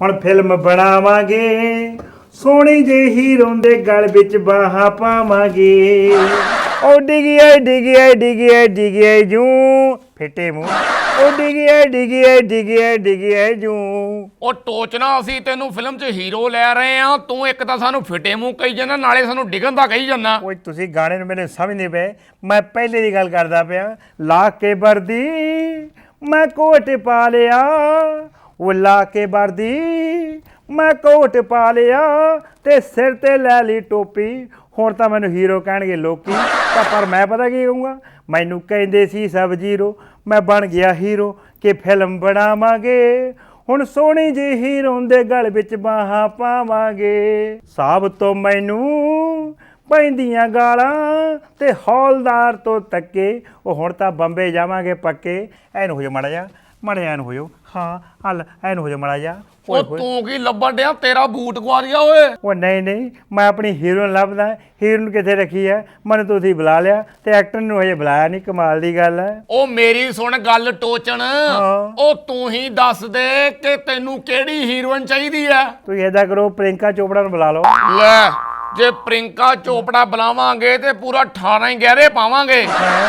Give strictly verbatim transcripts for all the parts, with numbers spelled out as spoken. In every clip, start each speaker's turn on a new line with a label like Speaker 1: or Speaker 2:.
Speaker 1: ਹੁਣ ਫਿਲਮ ਬਣਾਵਾਂਗੇ ਸੋਹਣੀ ਜਿਹੀ ਹੀਰੋ ਦੇ ਗਲ ਵਿੱਚ ਬਾਹਾਂ ਪਾਵਾਂਗੇ। ਉਹ ਡਿਗਿਆ ਡਿਗਿਆ ਡਿਗਿਆ ਡਿਗਿਆ ਜੂ ਫਿੱਟੇ ਮੂੰਹ ਉਹ ਡਿਗਿਆ ਡਿਗਿਆ ਡਿਗਿਆ ਡਿਗਿਆ ਜੂ।
Speaker 2: ਉਹ ਟੋਚਨਾ ਅਸੀਂ ਤੈਨੂੰ ਫਿਲਮ 'ਚ ਹੀਰੋ ਲੈ ਰਹੇ ਆ, ਤੂੰ ਇੱਕ ਤਾਂ ਸਾਨੂੰ ਫਿੱਟੇ ਮੂੰਹ ਕਹੀ ਜਾਂਦਾ, ਨਾਲੇ ਸਾਨੂੰ ਡਿੱਗਣ ਦਾ ਕਹੀ ਜਾਂਦਾ।
Speaker 1: ਓਏ ਤੁਸੀਂ ਗਾਣੇ ਨੂੰ ਮੇਰੇ ਸਮਝ ਨਹੀਂ ਪਏ, ਮੈਂ ਪਹਿਲੇ ਦੀ ਗੱਲ ਕਰਦਾ ਪਿਆ। ਲਾ ਕੇ ਵਰਦੀ ਮੈਂ ਕੋਟ ਪਾ ਲਿਆ, ਉਹ ਲਾ ਕੇ ਵਰਦੀ ਮੈਂ ਕੋਟ ਪਾ ਲਿਆ ਤੇ ਸਿਰ ਤੇ ਲੈ ਲਈ ਟੋਪੀ। ਹੁਣ ਤਾਂ ਮੈਨੂੰ ਹੀਰੋ ਕਹਿਣਗੇ ਲੋਕੀ, ਤਾਂ ਪਰ ਮੈਂ ਪਤਾ ਕੀ ਕਹੂੰਗਾ, ਮੈਨੂੰ ਕਹਿੰਦੇ ਸੀ ਸਭ ਜੀਰੋ, ਮੈਂ ਬਣ ਗਿਆ ਹੀਰੋ ਕਿ ਫਿਲਮ ਬਣਾਵਾਂਗੇ ਹੁਣ ਸੋਹਣੀ ਜਿਹੀ ਹੀਰੋ ਦੇ ਗਲ ਵਿੱਚ ਬਾਹਾਂ ਪਾਵਾਂਗੇ। ਸਾਬ ਤੋਂ ਮੈਨੂੰ ਪੈਂਦੀਆਂ ਗਾਲਾਂ ਤੇ ਹੌਲਦਾਰ ਤੋਂ ਤੱਕੇ, ਉਹ ਹੁਣ ਤਾਂ ਬੰਬੇ ਜਾਵਾਂਗੇ ਪੱਕੇ। ਐਨ ਹੋ ਜਾ ਮਾੜਾ ਜਾ ਮਾੜਾ ਐਨ ਹੋ ਜਾਓ, ਹਾਂ ਹਲ ਐਨ ਹੋ ਜਾ ਮਾੜਾ ਜਾ।
Speaker 2: ਉਹ ਤੂੰ ਕੀ ਲੱਭਣ ਡਿਆ, ਤੇਰਾ ਬੂਟ ਗਵਾ ਗਿਆ ਓਏ।
Speaker 1: ਉਹ ਨਹੀਂ ਨਹੀਂ, ਮੈਂ ਆਪਣੀ ਹੀਰੋਇਨ ਲੱਭਦਾ। ਹੀਰੋਇਨ ਕਿੱਥੇ ਰੱਖੀ ਹੈ? ਮੈਨੂੰ ਤੁਸੀਂ ਬੁਲਾ ਲਿਆ ਤੇ ਐਕਟਰ ਨੂੰ ਹਜੇ ਬੁਲਾਇਆ ਨਹੀਂ, ਕਮਾਲ ਦੀ ਗੱਲ ਹੈ।
Speaker 2: ਉਹ ਮੇਰੀ ਸੁਣ ਗੱਲ ਟੋਚਣ, ਉਹ ਤੂੰ ਹੀ ਦੱਸ ਦੇ ਕਿ ਤੈਨੂੰ ਕਿਹੜੀ ਹੀਰੋਇਨ ਚਾਹੀਦੀ ਆ।
Speaker 1: ਤੁਸੀਂ ਏਦਾਂ ਕਰੋ, ਪ੍ਰਿੰਕਾ ਚੋਪੜਾ ਨੂੰ ਬੁਲਾ ਲਓ।
Speaker 2: ਲੈ ਜੇ ਪ੍ਰਿੰਕਾ ਚੋਪੜਾ ਬੁਲਾਵਾਂਗੇ ਤੇ ਪੂਰਾ ਅਠਾਰਾਂ ਹੀ ਗਹਿਰੇ ਪਾਵਾਂਗੇ।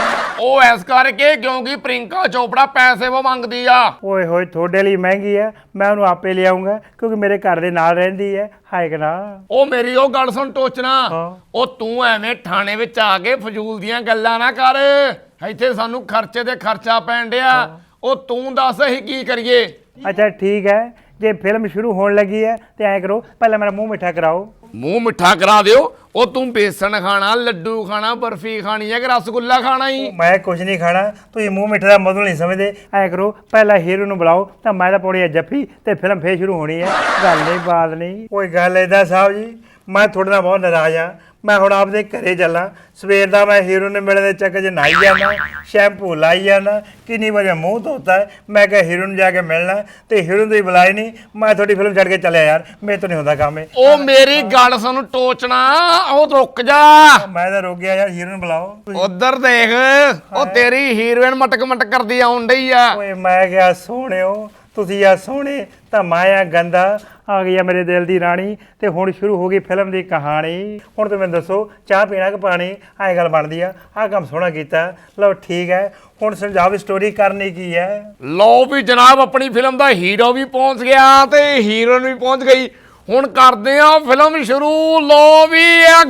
Speaker 2: ਉਹ ਐਸ ਕਰਕੇ ਕਿਉਂਕਿ ਪ੍ਰਿੰਕਾ ਚੋਪੜਾ ਪੈਸੇ ਉਹ ਮੰਗਦੀ ਆ।
Speaker 1: ਓਏ ਹੋਏ ਤੁਹਾਡੇ ਲਈ ਮਹਿੰਗੀ ਹੈ, ਮੈਂ ਉਹਨੂੰ ਆਪੇ ਲਿਆਉਂਗਾ ਕਿਉਂਕਿ ਮੇਰੇ ਘਰ ਦੇ ਨਾਲ ਰਹਿੰਦੀ ਹੈ। ਹਾਏ ਕਿ ਨਾ।
Speaker 2: ਉਹ ਮੇਰੀ ਉਹ ਗੱਲ ਸੁਣ ਟੋਚਣਾ, ਉਹ ਤੂੰ ਐਵੇਂ ਥਾਣੇ ਵਿੱਚ ਆ ਕੇ ਫਜ਼ੂਲ ਦੀਆਂ ਗੱਲਾਂ ਨਾ ਕਰ, ਇੱਥੇ ਸਾਨੂੰ ਖਰਚੇ ਤੇ ਖਰਚਾ ਪੈਣ ਡਿਆ। ਉਹ ਤੂੰ ਦੱਸ ਅਸੀਂ ਕੀ ਕਰੀਏ?
Speaker 1: ਅੱਛਾ ਠੀਕ ਹੈ, ਜੇ ਫਿਲਮ ਸ਼ੁਰੂ ਹੋਣ ਲੱਗੀ ਹੈ ਤੇ ਐਂ ਕਰੋ, ਪਹਿਲਾਂ ਮੇਰਾ ਮੂੰਹ ਮਿੱਠਾ ਕਰਾਓ।
Speaker 2: ਮੂੰਹ ਮਿੱਠਾ ਕਰਾ ਦਿਓ। ਉਹ ਤੂੰ ਬੇਸਣ ਖਾਣਾ, ਲੱਡੂ ਖਾਣਾ, ਬਰਫੀ ਖਾਣੀ ਹੈ ਕਿ ਰਸਗੁੱਲਾ ਖਾਣਾ ਹੀ?
Speaker 1: ਮੈਂ ਕੁਝ ਨਹੀਂ ਖਾਣਾ, ਤੁਸੀਂ ਮੂੰਹ ਮਿੱਠੇ ਦਾ ਮਤਲਬ ਨਹੀਂ ਸਮਝਦੇ। ਐਂ ਕਰੋ, ਪਹਿਲਾਂ ਹੀਰੋ ਨੂੰ ਬੁਲਾਓ ਤਾਂ ਮੈਂ ਤਾਂ ਪਾਉਣੀ ਹੈ ਜੱਫੀ ਤੇ ਫਿਲਮ ਫੇਰ ਸ਼ੁਰੂ ਹੋਣੀ ਹੈ। ਗੱਲ ਨਹੀਂ ਬਾਤ ਨਹੀਂ। ਕੋਈ ਗੱਲ ਏਦਾਂ ਸਾਹਿਬ ਜੀ, ਮੈਂ ਤੁਹਾਡੇ ਨਾਲ ਬਹੁਤ ਨਾਰਾਜ਼ ਹਾਂ। ਮੈਂ ਹੁਣ ਆਪਦੇ ਘਰੇ ਚੱਲਾਂ, ਸਵੇਰ ਦਾ ਮੈਂ ਹੀਰੋ ਨੂੰ ਮਿਲਣ ਦੇ ਚੱਕਰ 'ਚ ਨਹਾਈ ਜਾਂਦਾ, ਸ਼ੈਂਪੂ ਲਾਈ ਜਾਂਦਾ, ਕਿੰਨੀ ਵਾਰ ਮੂੰਹ ਧੋਤਾ ਹੈ। ਮੈਂ ਕਿਹਾ ਹੀਰੋ ਨੂੰ ਜਾ ਕੇ ਮਿਲਣਾ ਤੇ ਹੀਰੋ ਨੂੰ ਤੁਸੀਂ ਬੁਲਾਏ ਨਹੀਂ। ਮੈਂ ਤੁਹਾਡੀ ਫਿਲਮ ਛੱਡ ਕੇ ਚੱਲਿਆ ਯਾਰ, ਮੇਰੇ ਤੋਂ ਨਹੀਂ ਹੁੰਦਾ ਕੰਮ ਇਹ।
Speaker 2: ਉਹ ਮੇਰੀ ਗੱਲ ਸੁਣ ਟੋਚਣਾ, ਉਹ ਰੁਕ ਜਾ।
Speaker 1: ਮੈਂ ਤਾਂ ਰੁਕ ਗਿਆ ਯਾਰ, ਹੀਰੋ ਨੂੰ ਬੁਲਾਓ।
Speaker 2: ਉਧਰ ਦੇਖ, ਉਹ ਤੇਰੀ ਹੀਰੋਇਨ ਮਟਕ ਮਟਕ ਕਰਦੀ ਆਉਣ ਡਈ ਆ।
Speaker 1: ਓਏ ਮੈਂ ਕਿਹਾ ਸੋਹਣਿਓ, ਤੁਸੀਂ ਆ ਸੋਹਣੇ ਤਾਂ ਮੈਂ ਆ ਗੰਦਾ। ਆ ਗਈ ਆ ਮੇਰੇ ਦਿਲ ਦੀ ਰਾਣੀ ਤੇ ਹੁਣ ਸ਼ੁਰੂ ਹੋ ਗਈ ਫਿਲਮ ਦੀ ਕਹਾਣੀ। ਹੁਣ ਤੁਸੀਂ ਮੈਨੂੰ ਦੱਸੋ, ਚਾਹ ਪੀਣਾ ਕਿ ਪਾਣੀ? ਐਂ ਗੱਲ ਬਣਦੀ ਆ। ਆਹ ਕੰਮ ਸੋਹਣਾ ਕੀਤਾ, ਲਓ ਠੀਕ ਹੈ। ਹੁਣ ਸਮਝਾਓ ਵੀ ਸਟੋਰੀ ਕਰਨੀ ਕੀ ਹੈ?
Speaker 2: ਲਓ ਵੀ ਜਨਾਬ, ਆਪਣੀ ਫਿਲਮ ਦਾ ਹੀਰੋ ਵੀ ਪਹੁੰਚ ਗਿਆ ਤੇ ਹੀਰੋਇਨ ਵੀ ਪਹੁੰਚ ਗਈ। ਹੁਣ ਕਰਦੇ ਆ ਫਿਲਮ ਸ਼ੁਰੂ। ਲਓ ਵੀ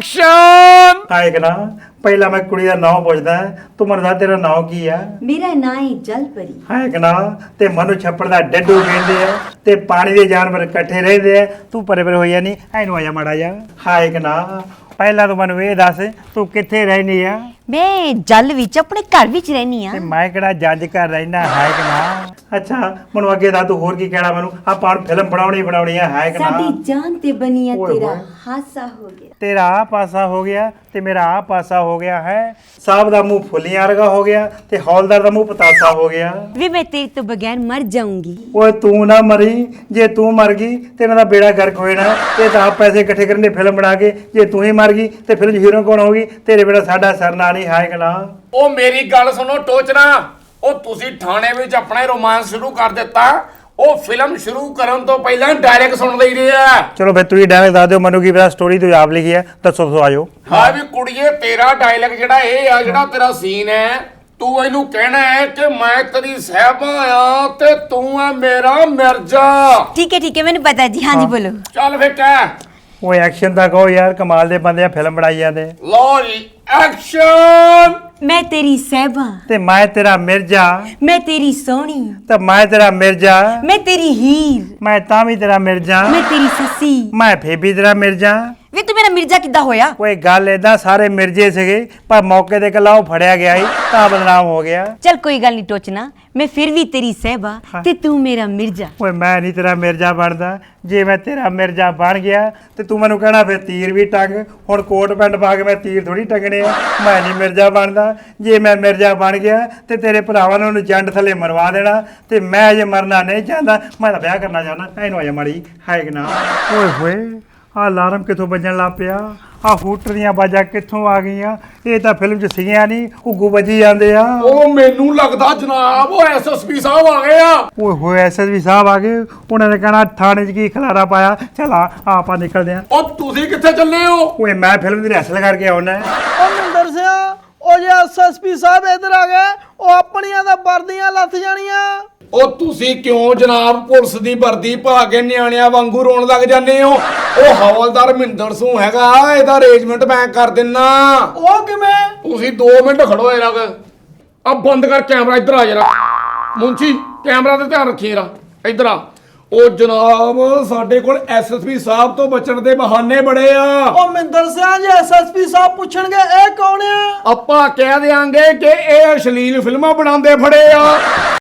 Speaker 2: ਐਕਸ਼ਨ।
Speaker 1: ਆਏ ਕਿ ਨਾ, ਪਹਿਲਾਂ ਮੈਂ ਕੁੜੀ ਦਾ ਨਾਮ ਪੁੱਛਦਾ, ਤੂੰ ਮੈਨੂੰ ਦੱਸ ਤੇਰਾ ਨਾਮ ਕੀ ਆ?
Speaker 3: ਮੇਰਾ ਨਾਂ ਹੈ ਜਲਪਰੀ।
Speaker 1: ਹੈ ਕਿ ਨਾ, ਤੇ ਮਨੂੰ ਛੱਪੜ ਦਾ ਡੱਡੂ ਕਹਿੰਦੇ ਆ ਤੇ ਪਾਣੀ ਦੇ ਜਾਨਵਰ ਇਕੱਠੇ ਰਹਿੰਦੇ ਆ। ਤੂੰ ਪਰੇ ਪਰੇ ਹੋਇਆ ਨਹੀਂ, ਐਨੂੰ ਆਇਆ ਮਾੜਾ ਜਾ। ਹਾਏ ਕਿ ਨਾ, ਪਹਿਲਾਂ ਤੂੰ ਮੈਨੂੰ ਇਹ ਦੱਸ, ਤੂੰ ਕਿੱਥੇ ਰਹਿਨੀ ਆ?
Speaker 3: ਮੈਂ ਜਲ ਵਿੱਚ ਆਪਣੇ ਘਰ ਵਿੱਚ ਰਹਿਨੀ ਆ।
Speaker 1: ਤੇ ਮੈਂ ਕਿਹੜਾ ਜੱਜ ਕਰ ਰਹਿਣਾ? ਹੈ ਕਿ ਨਾ। ਅੱਛਾ ਮੈਨੂੰ ਅੱਗੇ ਦੱਸ, ਤੂੰ ਹੋਰ ਕੀ ਕਹਿਣਾ ਮੈਨੂੰ? ਆਪਾਂ ਹੁਣ ਫਿਲਮ ਬਣਾਉਣੀ ਬਣਾਉਣੀ ਆ। ਹੈ ਕਿ ਨਾ।
Speaker 3: ਸਾਡੀ ਜਾਨ ਤੇ ਬਣੀ ਆ,
Speaker 1: ਓਏ
Speaker 3: ਤੇਰਾ
Speaker 1: ਹੋਏ।
Speaker 3: ਹਾਸਾ ਹੋ ਗਿਆ।
Speaker 1: ਤੇਰਾ ਆ ਪਾਸਾ ਹੋ ਗਿਆ ਤੇ ਮੇਰਾ ਆ ਪਾਸਾ ਹੋ ਗਿਆ ਹੈ। ਸਾਹਿਬ ਦਾ ਮੂੰਹ ਫੁੱਲੀਆਂ ਵਰਗਾ ਹੋ ਗਿਆ ਤੇ ਹੌਲਦਾਰ ਦਾ ਮੂੰਹ ਪਤਾਸਾ ਹੋ ਗਿਆ।
Speaker 3: ਵੀ ਮੈਂ ਤੇਰੇ ਤੋਂ ਬਗੈਰ ਮਰ ਜਾਊਂਗੀ।
Speaker 1: ਓਏ ਤੂੰ ਨਾ ਮਰੀ, ਜੇ ਤੂੰ ਮਰ ਗਈ ਤੇ ਇਹਨਾਂ ਦਾ ਬੇੜਾ ਗਰਕ ਹੋ ਜਾਣਾ। ਇਹ ਤਾਂ ਆਪ ਪੈਸੇ ਇਕੱਠੇ ਕਰਨ ਦੇ ਫਿਲਮ ਬਣਾ ਕੇ, ਜੇ ਤੂੰ ਹੀ ਮਰ ਗਈ ਤੇ ਫਿਲਮ ਹੀਰੋ ਕੌਣ ਹੋਗੀ? ਤੇਰੇ ਬੇੜਾ ਸਾਡਾ ਸਰਨਾ ਨਹੀਂ। ਹੈ ਕਿ ਨਾ।
Speaker 2: ਉਹ ਮੇਰੀ ਗੱਲ ਸੁਣੋ ਟੋਚਣਾ, ਉਹ ਤੁਸੀਂ ਥਾਣੇ ਵਿੱਚ ਆਪਣਾ ਰੋਮਾਂਸ ਸ਼ੁਰੂ ਕਰ ਦਿੱਤਾ। ਉਹ ਫਿਲਮ ਸ਼ੁਰੂ ਕਰਨ ਤੋਂ ਪਹਿਲਾਂ ਡਾਇਰੈਕਟ ਸੁਣ ਲਈਦੇ ਆ।
Speaker 1: ਚਲੋ ਫਿਰ ਤੁਸੀਂ ਡਾਇਲੌਗ ਦੱਸ ਦਿਓ, ਮੈਨੂੰ ਕੀ ਪਤਾ, ਸਟੋਰੀ ਤੁਸੀਂ ਆਪ ਲਿਖੀ ਹੈ, ਦੱਸੋ ਦੱਸੋ ਆਜੋ।
Speaker 2: ਹਾਂ ਵੀ ਕੁੜੀਏ, ਤੇਰਾ ਡਾਇਲੌਗ ਜਿਹੜਾ ਇਹ ਆ, ਜਿਹੜਾ ਤੇਰਾ ਸੀਨ ਹੈ, ਤੂੰ ਇਹਨੂੰ ਕਹਿਣਾ ਹੈ ਕਿ ਮੈਂ ਤੇਰੀ ਸਾਹਿਬਾ ਆ ਤੇ ਤੂੰ ਆ ਮੇਰਾ ਮਿਰਜ਼ਾ।
Speaker 3: ਠੀਕ ਹੈ ਠੀਕ ਹੈ, ਮੈਨੂੰ ਪਤਾ ਜੀ। ਹਾਂਜੀ ਬੋਲੋ।
Speaker 2: ਚੱਲ ਫੇ ਕਹਿ।
Speaker 1: ਓਏ ਐਕਸ਼ਨ ਤਾਂ ਕਹੋ ਯਾਰ, ਕਮਾਲ ਦੇ ਬੰਦੇ ਆ, ਫਿਲਮ ਬਣਾਈ ਜਾਂਦੇ।
Speaker 2: ਲਓ ਜੀ ਐਕਸ਼ਨ।
Speaker 3: ਮੈਂ ਤੇਰੀ ਸਹਿਬਾ,
Speaker 1: ਤੇ ਮੈਂ ਤੇਰਾ ਮਿਰਜ਼ਾ,
Speaker 3: ਮੈਂ ਤੇਰੀ ਸੋਹਣੀ,
Speaker 1: ਤੇ ਮੈਂ ਤੇਰਾ ਮਿਰਜ਼ਾ,
Speaker 3: ਮੈਂ ਤੇਰੀ ਹੀਰ,
Speaker 1: ਮੈਂ ਤਾਂ ਵੀ ਤੇਰਾ ਮਿਰਜ਼ਾ,
Speaker 3: ਮੈਂ ਤੇਰੀ ਸੱਸੀ।
Speaker 1: ਮੈਂ ਫੇਰ ਵੀ ਤੇਰਾ ਮਿਰਜ਼ਾ।
Speaker 3: ਵੇ ਤੂੰ ਮੇਰਾ ਮਿਰਜ਼ਾ ਕਿੱਦਾਂ ਹੋਇਆ?
Speaker 1: ਓਏ ਗੱਲ ਏਦਾਂ, ਸਾਰੇ ਮਿਰਜ਼ੇ ਸੀਗੇ ਪਰ ਮੌਕੇ ਤੇ ਇਕੱਲਾ ਉਹ ਫੜਿਆ ਗਿਆ ਸੀ ਤਾਂ ਬਦਨਾਮ ਹੋ ਗਿਆ।
Speaker 3: ਚੱਲ ਕੋਈ ਗੱਲ ਨਹੀਂ ਟੋਚਣਾ, ਮੈਂ ਫਿਰ ਵੀ ਤੇਰੀ ਸਹਿਬਾ ਤੇ ਤੂੰ ਮੇਰਾ ਮਿਰਜ਼ਾ।
Speaker 1: ਓਏ ਮੈਂ ਨਹੀਂ ਤੇਰਾ ਮਿਰਜ਼ਾ ਬਣਦਾ। ਜੇ ਮੈਂ ਤੇਰਾ ਮਿਰਜ਼ਾ ਬਣ ਗਿਆ ਤੇ ਤੂੰ ਮੈਨੂੰ ਕਹਿਣਾ ਫਿਰ ਤੀਰ ਵੀ ਟੰਗ। ਹੁਣ ਕੋਟ ਪੈਂਟ ਪਾ ਕੇ ਮੈਂ ਤੀਰ ਥੋੜੀ ਟੰਗਣੇ ਆ। ਮੈਂ ਨਹੀਂ ਮਿਰਜ਼ਾ ਬਣਦਾ। ਜੇ ਮੈਂ ਮਿਰਜ਼ਾ ਬਣ ਗਿਆ ਤੇ ਤੇਰੇ ਭਰਾਵਾਂ ਨੇ ਉਹਨੂੰ ਜੰਡ ਥੱਲੇ ਮਰਵਾ ਦੇਣਾ ਤੇ ਮੈਂ ਅਜੇ ਮਰਨਾ ਨਹੀਂ ਚਾਹੁੰਦਾ। ਮੈਂ ਤਾਂ ਵਿਆਹ ਕਰਨਾ ਚਾਹੁੰਦਾ। ਇਹਨੂੰ ਆਜਾ ਮਾੜੀ। ਹੈ ਕਿ ਨਾ। ਓਏ ਹੋਏ, ਆ ਅਲਾਰਮ ਕਿੱਥੋਂ ਵੱਜਣ ਲੱਗ ਪਿਆ? ਆ ਹੂਟਰ ਦੀਆਂ ਬਾਜਾਂ ਕਿੱਥੋਂ ਆ ਗਈਆਂ? ਇਹ ਤਾਂ ਫਿਲਮ 'ਚ ਸੀਗੀਆਂ ਨਹੀਂ, ਉੱਗੂ ਵੱਜੀ ਜਾਂਦੇ ਆ।
Speaker 2: ਉਹ ਮੈਨੂੰ ਲੱਗਦਾ ਜਨਾਬ ਉਹ ਐਸਐਸਪੀ ਸਾਹਿਬ ਆ ਗਏ ਆ।
Speaker 1: ਓਏ ਹੋਏ ਐਸਐਸਪੀ ਸਾਹਿਬ ਆ ਗਏ, ਉਹਨਾਂ ਨੇ ਕਹਿਣਾ ਥਾਣੇ 'ਚ ਕੀ ਖਲਾਰਾ ਪਾਇਆ। ਚਲ ਆ ਆਪਾਂ ਨਿਕਲਦੇ ਆਂ।
Speaker 2: ਉਹ ਤੁਸੀਂ ਕਿੱਥੇ ਚੱਲੇ ਹੋ?
Speaker 1: ਓਏ ਮੈਂ ਫਿਲਮ ਦੀ ਰਿਹਰਸਲ ਕਰਕੇ ਆਉਣਾ।
Speaker 4: ਉਹ ਮਿੰਦਰ ਸਿਆ, ਉਹ ਜੇ ਐਸਐਸਪੀ ਸਾਹਿਬ ਇੱਧਰ ਆ ਗਏ, ਉਹ ਆਪਣੀਆਂ ਤਾਂ ਵਰਦੀਆਂ ਲੱਥ ਜਾਣੀਆਂ।
Speaker 2: ਉਹ ਤੁਸੀਂ ਕਿਉਂ ਜਨਾਬ ਪੁਲਿਸ ਦੀ ਵਰਦੀ ਪਾ ਕੇ ਨਿਆਣਿਆਂ ਵਾਂਗੂ ਰੋਣ ਲੱਗ ਜਾਂਦੇ ਹੋ? ਉਹ ਹਵਲਦਾਰ ਮਹਿੰਦਰ ਸਿੰਘ ਹੈਗਾ, ਇਹਦਾ ਅਰੇਂਜਮੈਂਟ ਮੈਂ ਕਰ ਦਿੰਨਾ।
Speaker 4: ਉਹ ਕਿਵੇਂ?
Speaker 2: ਤੁਸੀਂ ਦੋ ਮਿੰਟ ਖੜੋ ਜਰਾ। ਆ ਬੰਦ ਕਰ ਕੈਮਰਾ, ਇੱਧਰ ਆ ਜਰਾ। ਮੁੰਸ਼ੀ ਕੈਮਰਾ ਤੇ ਧਿਆਨ ਰੱਖੀ ਜਰਾ, ਇੱਧਰ ਆ। ਉਹ ਜਨਾਬ ਸਾਡੇ ਕੋਲ ਐਸਐਸਪੀ ਸਾਹਿਬ ਤੋਂ ਬਚਣ ਦੇ ਬਹਾਨੇ ਬੜੇ ਆ।
Speaker 4: ਉਹ ਮਿੰਦਰ ਸਿਆ, ਜੇ ਐਸਐਸਪੀ ਸਾਹਿਬ ਪੁੱਛਣਗੇ ਇਹ ਕੌਣ ਆ?
Speaker 2: ਆਪਾਂ ਕਹਿ ਦਿਆਂਗੇ ਕਿ ਇਹ ਅਸ਼ਲੀਲ ਫਿਲਮਾਂ ਬਣਾਉਂਦੇ ਫੜੇ ਆ।